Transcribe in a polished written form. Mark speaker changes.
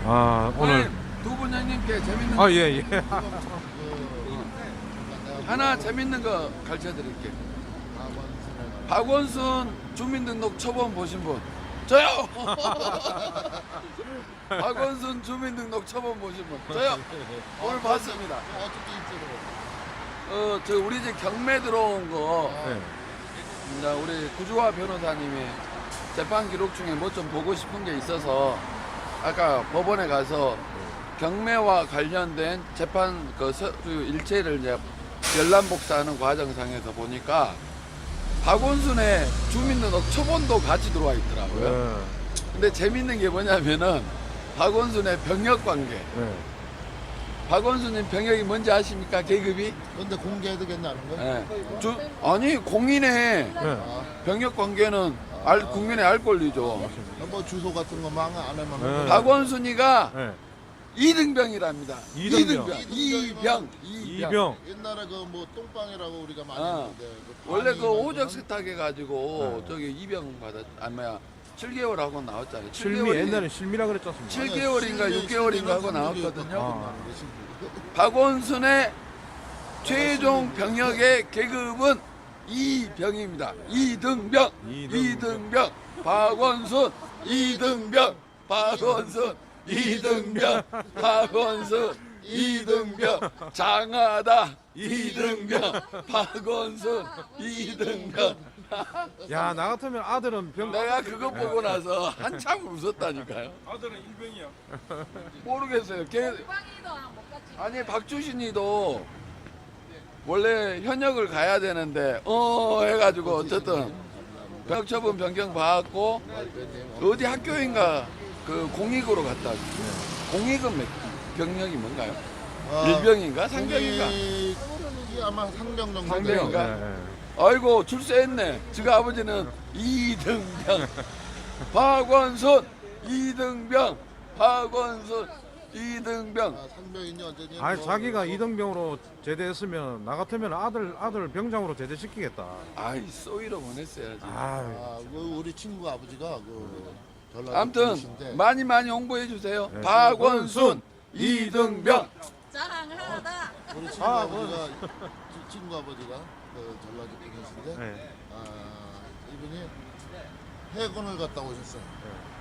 Speaker 1: 아, 오늘.
Speaker 2: 두 분 형님께 재밌는
Speaker 1: 아, 예, 예.
Speaker 2: 하나 재밌는 거 가르쳐 드릴게요. 박원순 주민등록 초범 보신 분? 저요! 박원순 주민등록 초범 보신 분? 저요! 오늘 봤습니다. 저 우리 집 경매 들어온 거,
Speaker 1: 네.
Speaker 2: 이제 우리 구주화 변호사님이 재판 기록 중에 뭐 좀 보고 싶은 게 있어서 아까 법원에 가서 경매와 관련된 재판 그 일체를 이제 열람복사하는 과정상에서 보니까 박원순의 주민등록 초본도 같이 들어와 있더라고요.
Speaker 1: 네.
Speaker 2: 근데 재밌는 게 뭐냐면은 박원순의 병역 관계.
Speaker 1: 네.
Speaker 2: 박원순님 병역이 뭔지 아십니까? 계급이?
Speaker 3: 근데 공개해도 괜찮은 거야?
Speaker 2: 네. 아니 공인의
Speaker 1: 네.
Speaker 2: 병역 관계는 국민의 알 권리죠.
Speaker 3: 뭐 주소 같은 거 망 안 하면
Speaker 1: 네.
Speaker 2: 박원순이가
Speaker 1: 네.
Speaker 2: 이등병이랍니다.
Speaker 1: 이등병.
Speaker 2: 이병.
Speaker 3: 옛날에 그 뭐 똥방이라고 우리가 많이
Speaker 2: 아,
Speaker 3: 했는데
Speaker 2: 원래 그
Speaker 3: 방이라는
Speaker 2: 오적
Speaker 3: 거는
Speaker 2: 세탁 해가지고
Speaker 1: 네.
Speaker 2: 저기 이병 뭐야 7개월 하고 나왔잖아요.
Speaker 1: 실미, 옛날에 실미라 그랬지 않습니까?
Speaker 2: 7개월인가 6개월인가 하고 나왔거든요.
Speaker 1: 아.
Speaker 2: 박원순의 최종 병역의 계급은 이병입니다. 이등병. 이등병. 박원순. 이등병. 박원순. 이등병. 박원순. 이등병. 장하다. 이등병. 박원순. 이등병.
Speaker 1: 야, 나 같으면 아들은 병.
Speaker 2: 내가 그거 보고 나서 한참 웃었다니까요.
Speaker 4: 아들은 일병이야.
Speaker 2: 모르겠어요.
Speaker 5: 빵이도 못 갔지.
Speaker 2: 아니 박주신이도 원래 현역을 가야 되는데 해가지고 어쨌든 병처분 변경 받았고 어디 학교인가 그 공익으로 갔다 왔어요. 공익은 병력이 뭔가요? 일병인가 상병인가?
Speaker 3: 이게 아마 상병 정도
Speaker 2: 상병인가?
Speaker 1: 네, 네.
Speaker 2: 아이고 출세했네. 지가 아버지는 이등병 박원순 이등병 박원순 이등병.
Speaker 3: 상병이니 어쩌니
Speaker 1: 아니, 자기가 이등병으로 제대했으면 나 같으면 아들 병장으로 제대시키겠다.
Speaker 2: 아이 쏘이로 보냈어야지.
Speaker 1: 아,
Speaker 3: 그 우리 친구 아버지가 그 전라도
Speaker 2: 아무튼
Speaker 3: 분이신데
Speaker 2: 많이 홍보해 주세요.
Speaker 1: 네.
Speaker 2: 박원순 이등병.
Speaker 5: 자랑하다.
Speaker 3: 우리 친구
Speaker 1: 아,
Speaker 3: 아버지가 친구 아버지가 그 전라도 분이신데
Speaker 1: 네.
Speaker 3: 이분이 해군을 갔다 오셨어요.
Speaker 1: 네.